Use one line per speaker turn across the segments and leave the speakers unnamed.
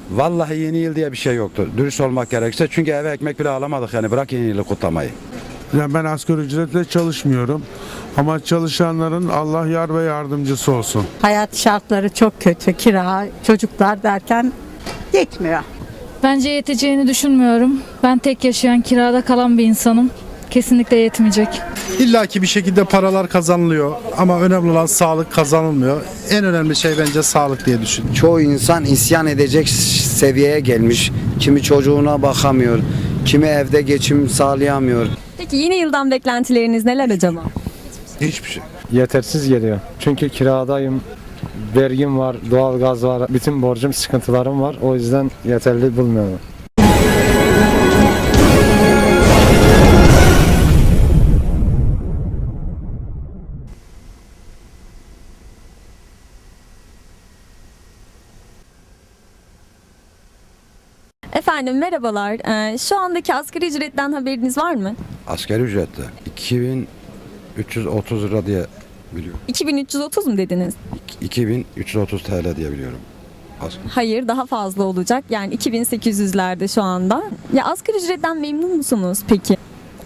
Vallahi yeni yıl diye bir şey yoktu. Dürüst olmak gerekirse. Çünkü eve ekmek bile alamadık yani. Bırak yeni yılı kutlamayı.
Yani ben asgari ücretle çalışmıyorum. Ama çalışanların Allah yar ve yardımcısı olsun.
Hayat şartları çok kötü. Kira, çocuklar derken yetmiyor.
Bence yeteceğini düşünmüyorum. Ben tek yaşayan, kirada kalan bir insanım. Kesinlikle yetmeyecek.
İlla ki bir şekilde paralar kazanılıyor ama önemli olan sağlık kazanılmıyor. En önemli şey bence sağlık diye düşünüyorum.
Çoğu insan isyan edecek seviyeye gelmiş. Kimi çocuğuna bakamıyor, kimi evde geçim sağlayamıyor.
Peki yeni yıldan beklentileriniz neler acaba?
Hiçbir şey.
Yetersiz geliyor. Çünkü kiradayım, vergim var, doğalgaz var, bütün borcum, sıkıntılarım var. O yüzden yeterli bulmuyorum.
Efendim merhabalar. Şu andaki asgari ücretten haberiniz var mı?
Asgari ücretle 2330 lira diye biliyorum.
2330 mu dediniz?
2330 TL diye biliyorum.
Hayır, daha fazla olacak. Yani 2800'lerde şu anda. Ya asgari ücretten memnun musunuz peki?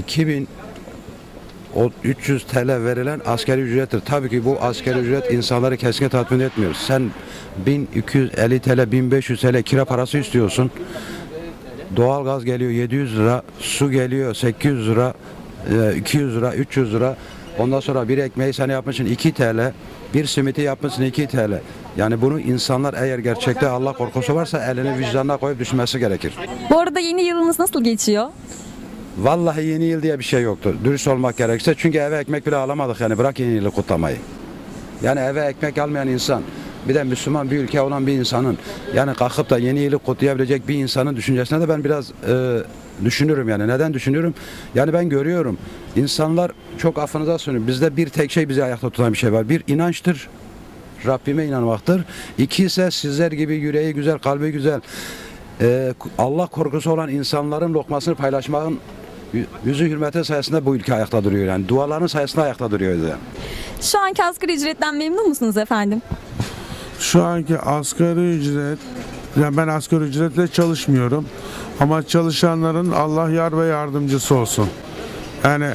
2300 TL verilen asgari ücrettir. Tabii ki bu asgari ücret insanları kesinlikle tatmin etmiyor. Sen 1250 TL, 1500 TL kira parası istiyorsun. Doğalgaz geliyor 700 lira, su geliyor 800 lira, 200 lira, 300 lira. Ondan sonra bir ekmeği sen yapmışsın 2 TL, bir simiti yapmışsın 2 TL. Yani bunu insanlar eğer gerçekte Allah korkusu varsa elini vicdanına koyup düşünmesi gerekir.
Bu arada yeni yılınız nasıl geçiyor?
Vallahi yeni yıl diye bir şey yoktu. Dürüst olmak gerekirse. Çünkü eve ekmek bile alamadık yani. Bırak yeni yılı kutlamayı. Yani eve ekmek almayan insan, bir de Müslüman bir ülke olan bir insanın, yani kalkıp da yeni yılı kutlayabilecek bir insanın düşüncesine de ben biraz düşünürüm yani. Neden düşünüyorum? Yani ben görüyorum. İnsanlar çok affınıza sığınıyorum. Bizde bir tek şey bizi ayakta tutan bir şey var. Bir inançtır. Rabbime inanmaktır. İki ise sizler gibi yüreği güzel, kalbi güzel, Allah korkusu olan insanların lokmasını paylaşmanın yüzü hürmeti sayesinde bu ülke ayakta duruyor yani. Duaların sayesinde ayakta duruyor yani.
Şu anki asgari ücretten memnun musunuz efendim?
Şu anki asgari ücret, yani ben asgari ücretle çalışmıyorum. Ama çalışanların Allah yar ve yardımcısı olsun. Yani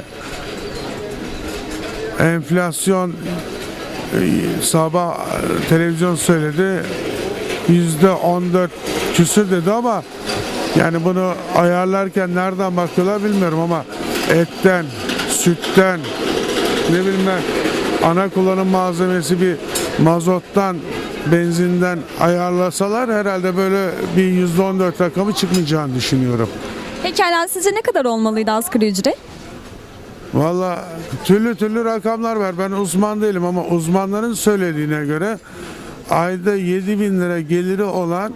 enflasyon sabah televizyon söyledi %14 küsür dedi ama yani bunu ayarlarken nereden bakıyorlar bilmiyorum ama etten, sütten, ne bileyim ben, ana kullanım malzemesi bir mazottan, benzinden ayarlasalar herhalde böyle bir %14 rakamı çıkmayacağını düşünüyorum.
Pekala sizce ne kadar olmalıydı asgari ücret?
Valla türlü rakamlar var. Ben uzman değilim ama uzmanların söylediğine göre ayda 7.000 lira geliri olan,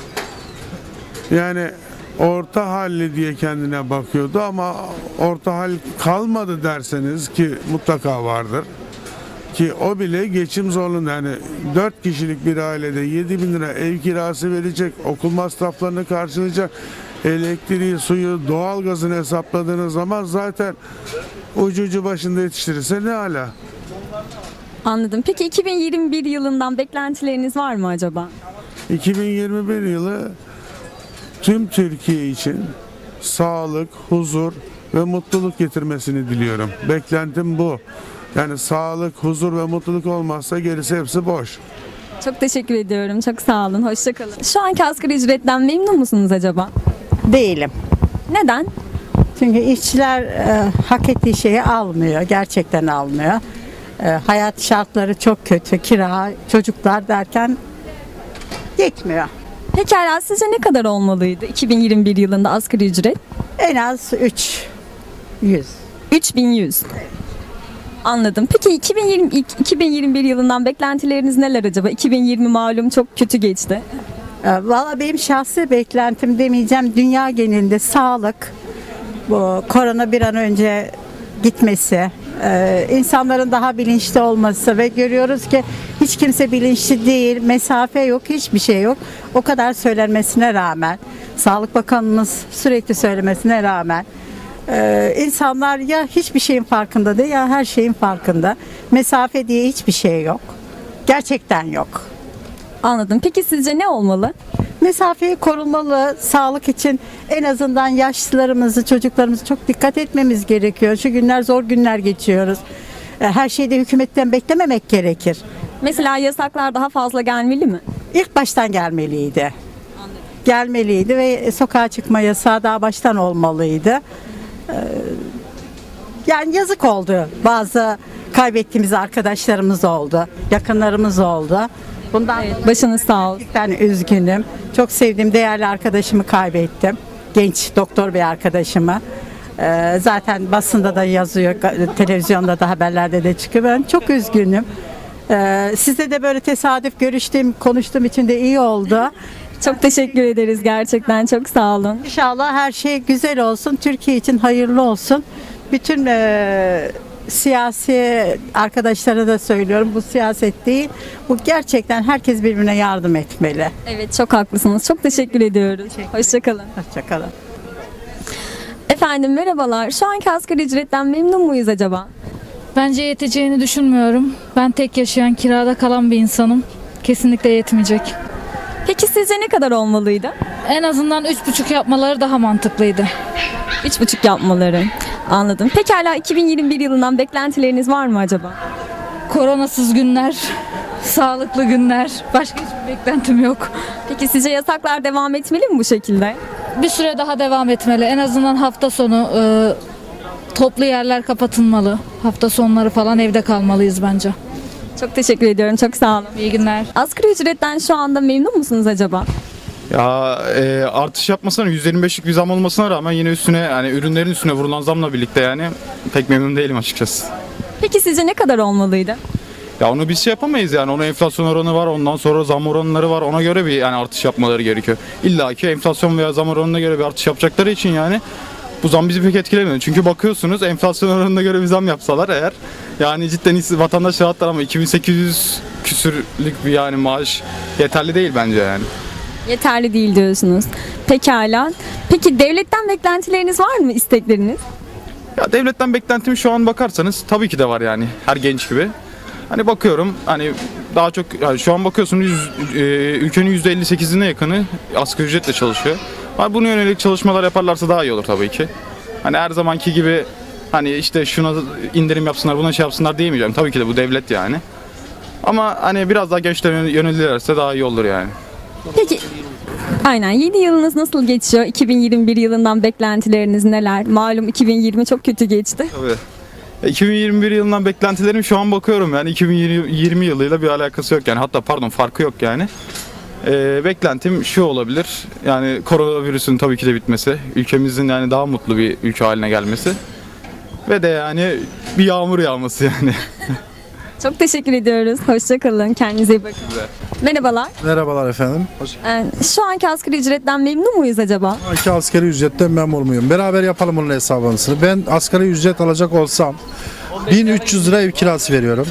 yani orta halli diye kendine bakıyordu ama orta hal kalmadı derseniz, ki mutlaka vardır, ki o bile geçim zorluğunda. Yani 4 kişilik bir ailede 7.000 lira ev kirası verecek, okul masraflarını karşılayacak, elektriği, suyu, doğalgazını hesapladığınız zaman zaten ucu başında yetiştirirse ne ala.
Anladım. Peki 2021 yılından beklentileriniz var mı acaba?
2021 yılı tüm Türkiye için sağlık, huzur ve mutluluk getirmesini diliyorum. Beklentim bu. Yani sağlık, huzur ve mutluluk olmazsa gerisi hepsi boş.
Çok teşekkür ediyorum. Çok sağ olun. Hoşça kalın. Şu anki asgari ücretten memnun musunuz acaba?
Değilim.
Neden?
Çünkü işçiler hak ettiği şeyi almıyor. Gerçekten almıyor. Hayat şartları çok kötü. Kira, çocuklar derken yetmiyor.
Pekala sizce ne kadar olmalıydı 2021 yılında asgari ücret?
En az 300.
3100. Anladım. Peki 2021 yılından beklentileriniz neler acaba? 2020 malum çok kötü geçti.
Valla benim şahsi beklentim demeyeceğim. Dünya genelinde sağlık, bu korona bir an önce gitmesi, insanların daha bilinçli olması ve görüyoruz ki hiç kimse bilinçli değil, mesafe yok, hiçbir şey yok. O kadar söylenmesine rağmen, Sağlık Bakanımız sürekli söylemesine rağmen insanlar ya hiçbir şeyin farkında değil ya her şeyin farkında. Mesafe diye hiçbir şey yok. Gerçekten yok.
Anladım. Peki sizce ne olmalı?
Mesafeyi korunmalı, sağlık için en azından yaşlılarımızı, çocuklarımızı çok dikkat etmemiz gerekiyor. Şu günler zor günler geçiyoruz. Her şeyi de hükümetten beklememek gerekir.
Mesela yasaklar daha fazla gelmeli mi?
İlk baştan gelmeliydi. Gelmeliydi ve sokağa çıkma yasağı daha baştan olmalıydı. Yani yazık oldu. Bazı kaybettiğimiz arkadaşlarımız oldu, yakınlarımız oldu. Bundan
Başınız sağ olsun.
gerçekten üzgünüm. Çok sevdiğim değerli arkadaşımı kaybettim. Genç doktor bir arkadaşımı. Zaten basında da yazıyor, televizyonda da haberlerde de çıkıyor. Ben çok üzgünüm. Sizle de böyle tesadüf konuştuğum için de iyi oldu.
Çok teşekkür ederiz gerçekten. Çok sağ olun.
İnşallah her şey güzel olsun. Türkiye için hayırlı olsun. Bütün siyasi arkadaşlara da söylüyorum. Bu siyaset değil. Bu gerçekten herkes birbirine yardım etmeli.
Evet, çok haklısınız. Çok teşekkür ediyoruz. Hoşçakalın.
Hoşçakalın.
Efendim merhabalar. Şu anki asgari ücretten memnun muyuz acaba?
Bence yeteceğini düşünmüyorum. Ben tek yaşayan, kirada kalan bir insanım. Kesinlikle yetmeyecek.
Peki sizce ne kadar olmalıydı?
En azından 3,5 yapmaları daha mantıklıydı.
3,5 yapmaları. Anladım. Pekala 2021 yılından beklentileriniz var mı acaba?
Koronasız günler, sağlıklı günler. Başka hiçbir beklentim yok.
Peki sizce yasaklar devam etmeli mi bu şekilde?
Bir süre daha devam etmeli. En azından hafta sonu toplu yerler kapatılmalı. Hafta sonları falan evde kalmalıyız bence.
Çok teşekkür ediyorum. Çok sağ olun.
İyi günler.
Asgari ücretten şu anda memnun musunuz acaba?
Ya artış yapmasına %25'lik bir zam olmasına rağmen yine üstüne yani ürünlerin üstüne vurulan zamla birlikte yani pek memnun değilim açıkçası.
Peki sizce ne kadar olmalıydı?
Ya onu biz şey yapamayız yani onun enflasyon oranı var ondan sonra zam oranları var ona göre bir yani artış yapmaları gerekiyor. İlla ki enflasyon veya zam oranına göre bir artış yapacakları için yani bu zam bizi pek etkilemiyor. Çünkü bakıyorsunuz enflasyon oranına göre bir zam yapsalar eğer yani cidden vatandaş rahatlar ama 2800 küsürlük bir yani maaş yeterli değil bence yani.
Yeterli değil diyorsunuz. Pekala. Peki devletten beklentileriniz var mı, istekleriniz?
Ya devletten beklentim şu an bakarsanız tabii ki de var yani her genç gibi. Hani bakıyorum hani daha çok yani şu an bakıyorsunuz ülkenin %58'ine yakını asgari ücretle çalışıyor. Hani buna yönelik çalışmalar yaparlarsa daha iyi olur tabii ki. Hani her zamanki gibi hani işte şuna indirim yapsınlar buna şey yapsınlar diyemeyeceğim. Tabii ki de bu devlet yani. Ama hani biraz daha gençlere yönelirlerse daha iyi olur yani.
Peki. Aynen. Yeni yılınız nasıl geçiyor? 2021 yılından beklentileriniz neler? Malum 2020 çok kötü geçti.
Tabii. 2021 yılından beklentilerim şu an bakıyorum yani 2020 yılıyla bir alakası yok yani hatta pardon farkı yok yani. Beklentim şu olabilir yani koronavirüsün tabii ki de bitmesi, ülkemizin yani daha mutlu bir ülke haline gelmesi ve de yani bir yağmur yağması yani.
Çok teşekkür ediyoruz. Hoşçakalın. Kendinize iyi bakın. Merhabalar.
Merhabalar efendim.
Şu anki asgari ücretten memnun muyuz acaba?
Şu asgari ücretten memnun muyum? Beraber yapalım bunun hesabını. Ben asgari ücret alacak olsam 1300 lira ev kirası veriyorum.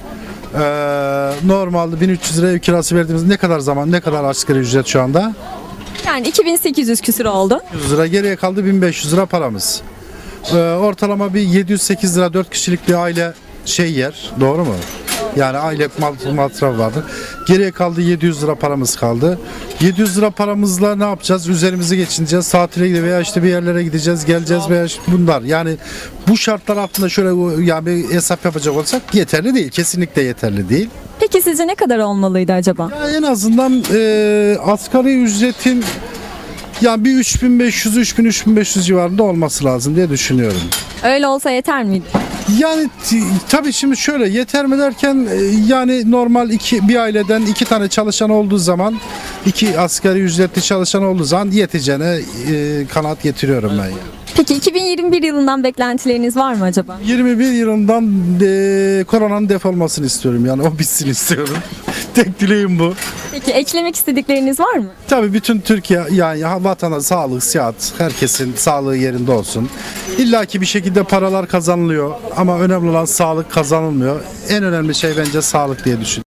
Normalde 1300 lira ev kirası verdiğimiz ne kadar asgari ücret şu anda?
Yani 2800 küsür oldu.
100 lira geriye kaldı 1500 lira paramız. Ortalama bir 708 lira 4 kişilik bir aile yer. Doğru mu? Yani aile masrafı vardır. Geriye kaldı 700 lira paramız kaldı. 700 lira paramızla ne yapacağız? Üzerimizi geçineceğiz. Tatile gideceğiz veya işte bir yerlere gideceğiz, geleceğiz veya işte bunlar. Yani bu şartlar altında şöyle yani bir hesap yapacak olsak yeterli değil. Kesinlikle yeterli değil.
Peki sizce ne kadar olmalıydı acaba?
Ya en azından asgari ücretin yani bir 3500 civarında olması lazım diye düşünüyorum.
Öyle olsa yeter miydi?
Yani tabii şimdi şöyle yeter mi derken yani normal bir aileden 2 tane çalışan olduğu zaman 2 asgari ücretli çalışan olduğu zaman yeteceğine kanaat getiriyorum ben.
Peki 2021 yılından beklentileriniz var mı acaba?
21 yılından koronanın defolmasını istiyorum yani o bitsin istiyorum. Tek dileğim bu.
Peki eklemek istedikleriniz var mı?
Tabii bütün Türkiye yani vatana sağlık, sıhhat, herkesin sağlığı yerinde olsun. İlla ki bir şekilde paralar kazanılıyor ama önemli olan sağlık kazanılmıyor. En önemli şey bence sağlık diye düşünüyorum.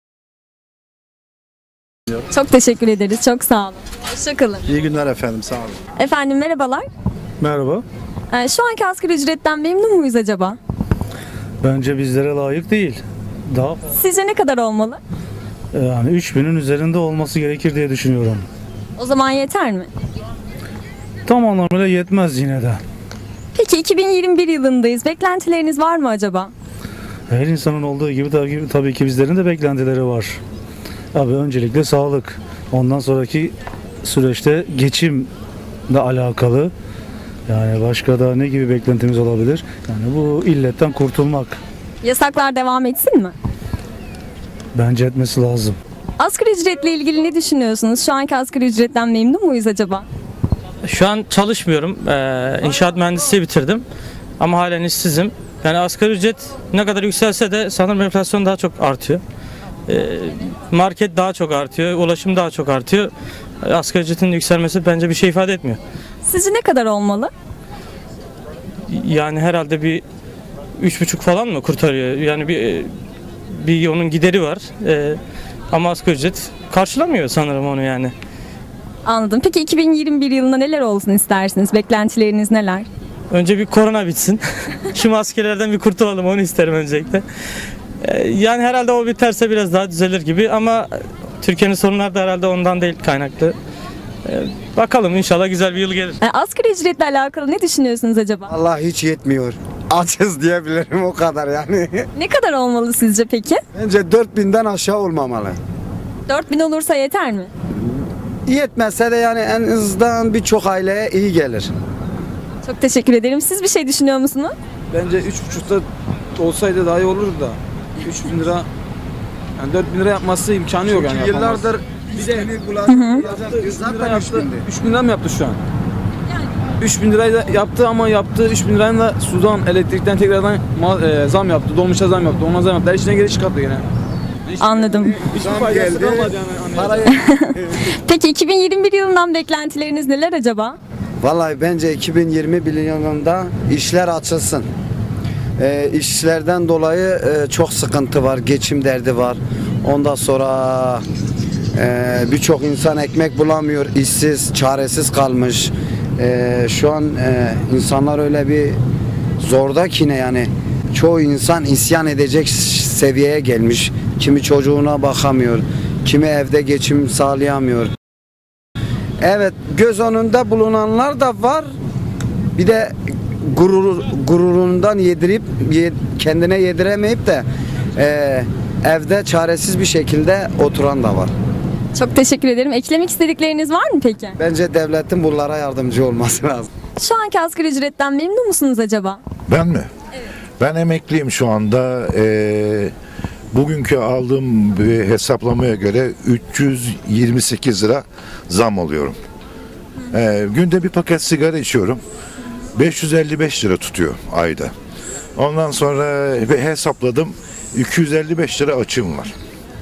Çok teşekkür ederiz. Çok sağ olun. Hoşçakalın.
İyi günler efendim, sağ olun.
Efendim merhabalar.
Merhaba.
Şu anki asgari ücretten memnun muyuz acaba?
Bence bizlere layık değil. Daha
Sizce ne kadar olmalı?
yani 3000'in üzerinde olması gerekir diye düşünüyorum.
O zaman yeter mi?
Tam anlamıyla yetmez yine de.
Peki 2021 yılındayız. Beklentileriniz var mı acaba?
Her insanın olduğu gibi tabii ki bizlerin de beklentileri var. Abi öncelikle sağlık. Ondan sonraki süreçte geçimle alakalı. Yani başka da ne gibi beklentimiz olabilir? Yani bu illetten kurtulmak
Yasaklar devam etsin mi?
bence etmesi lazım.
Asgari ücretle ilgili ne düşünüyorsunuz? Şu anki asgari ücretten memnun muyuz acaba?
Şu an çalışmıyorum. İnşaat mühendisliği bitirdim. Ama halen işsizim. Yani asgari ücret ne kadar yükselse de sanırım enflasyon daha çok artıyor. Market daha çok artıyor. Ulaşım daha çok artıyor. Asgari ücretin yükselmesi bence bir şey ifade etmiyor.
Sizce ne kadar olmalı?
Yani herhalde bir 3,5 falan mı kurtarıyor? Yani bir onun gideri var. Ama asgari ücret karşılamıyor sanırım onu yani.
Anladım. Peki 2021 yılında neler olsun istersiniz? Beklentileriniz neler?
Önce bir korona bitsin. Şu maskelerden bir kurtulalım, onu isterim öncelikle. Yani herhalde o biterse biraz daha düzelir gibi ama Türkiye'nin sorunları da herhalde ondan değil kaynaklı. Bakalım, inşallah güzel bir yıl gelir.
Asgari ücretle alakalı ne düşünüyorsunuz acaba?
Allah hiç yetmiyor. Açız diyebilirim o kadar yani.
Ne kadar olmalı sizce peki?
Bence 4000'den aşağı olmamalı.
4000 olursa yeter mi?
Yetmezse de yani en azından birçok aileye iyi gelir.
Çok teşekkür ederim. Siz bir şey düşünüyor musunuz?
Bence 3,5'ta olsaydı daha iyi olurdu da. 3.000 lira yani 4.000 lira yapması imkanı yok yani.
Yıllardır
Zaten 3.000 lira mı yaptı şu an? 3.000 lirayı da yaptı ama yaptığı 3.000 lirayla da sudan, elektrikten tekrardan zam yaptı. Dolmuşa zam yaptı. Ona zam yaptı. Her işine geri çıkarttı yine.
Anladım.
Hiçbir faydası kalmadı yani.
parayı
Peki 2021 yılından beklentileriniz neler acaba?
Vallahi bence 2020 yılında işler açılsın. İşlerden dolayı çok sıkıntı var, geçim derdi var. Ondan sonra birçok insan ekmek bulamıyor, işsiz, çaresiz kalmış. Şu an insanlar öyle bir zorda ki ne yani çoğu insan isyan edecek seviyeye gelmiş. Kimi çocuğuna bakamıyor, kimi evde geçim sağlayamıyor. Evet, göz önünde bulunanlar da var. Bir de gururundan yedirip kendine yediremeyip de evde çaresiz bir şekilde oturan da var.
Çok teşekkür ederim. Eklemek istedikleriniz var mı peki?
Bence devletin bunlara yardımcı olması lazım.
Şu anki asgari ücretten memnun musunuz acaba?
Ben mi? Ben emekliyim şu anda. Bugünkü aldığım bir hesaplamaya göre 328 lira zam alıyorum. Günde bir paket sigara içiyorum. 555 lira tutuyor ayda. Ondan sonra hesapladım. 255 lira açığım var.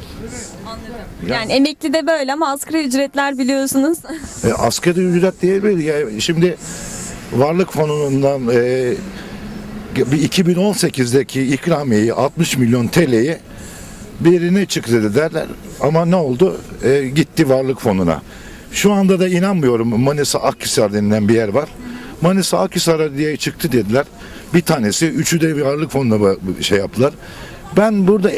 Yani emekli de böyle ama asgari ücretler biliyorsunuz.
Asgari ücret diyebilir. Yani şimdi varlık fonundan bir 2018'deki ikramiyeyi 60 milyon TL'yi birine çıktı dediler ama ne oldu? Gitti varlık fonuna. Şu anda da inanmıyorum. Manisa Akhisar denilen bir yer var. Manisa Akhisar'a diye çıktı dediler. Bir tanesi, üçü de varlık fonuna şey yaptılar. Ben burada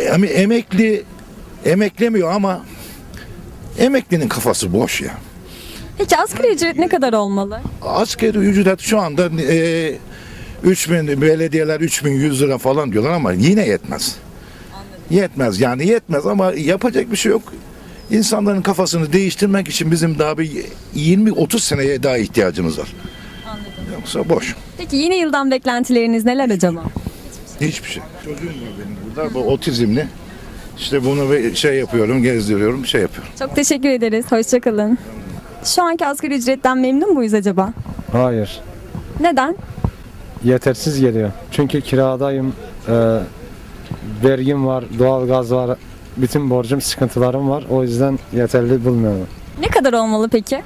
emeklemiyor ama emeklinin kafası boş ya.
Peki asgari ücret ne kadar olmalı?
Asgari ücret şu anda 3000 belediyeler 3100 lira falan diyorlar ama yine yetmez. Yetmez yani yetmez ama yapacak bir şey yok. İnsanların kafasını değiştirmek için bizim daha bir 20-30 seneye daha ihtiyacımız var.
Anladım.
Yoksa boş.
Peki yeni yıldan beklentileriniz neler acaba?
Hiçbir şey. Çocuğum var benim burada. Bu otizmli. İşte bunu şey yapıyorum, gezdiriyorum, şey yapıyorum.
Çok teşekkür ederiz. Hoşçakalın. Şu anki asgari ücretten memnun muyuz acaba?
Hayır.
Neden?
Yetersiz geliyor. Çünkü kiradayım. Vergim var, doğalgaz var. Bütün borcum, sıkıntılarım var. O yüzden yeterli bulmuyorum.
Ne kadar olmalı peki?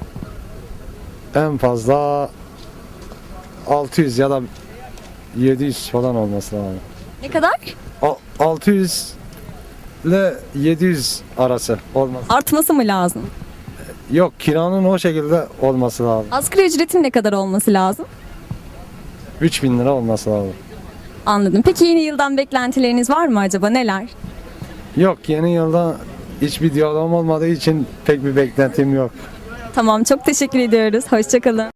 En fazla 600 ya da 700 falan olması lazım.
Ne kadar?
600 ile 700 arası olmaz.
Artması mı lazım?
Yok, kiranın o şekilde olması lazım.
Asgari ücretin ne kadar olması lazım?
3000 lira olması lazım.
Anladım. Peki yeni yıldan beklentileriniz var mı acaba? Neler?
Yok, yeni yılda hiçbir diyalogum olmadığı için pek bir beklentim yok.
Tamam, çok teşekkür ediyoruz. Hoşçakalın.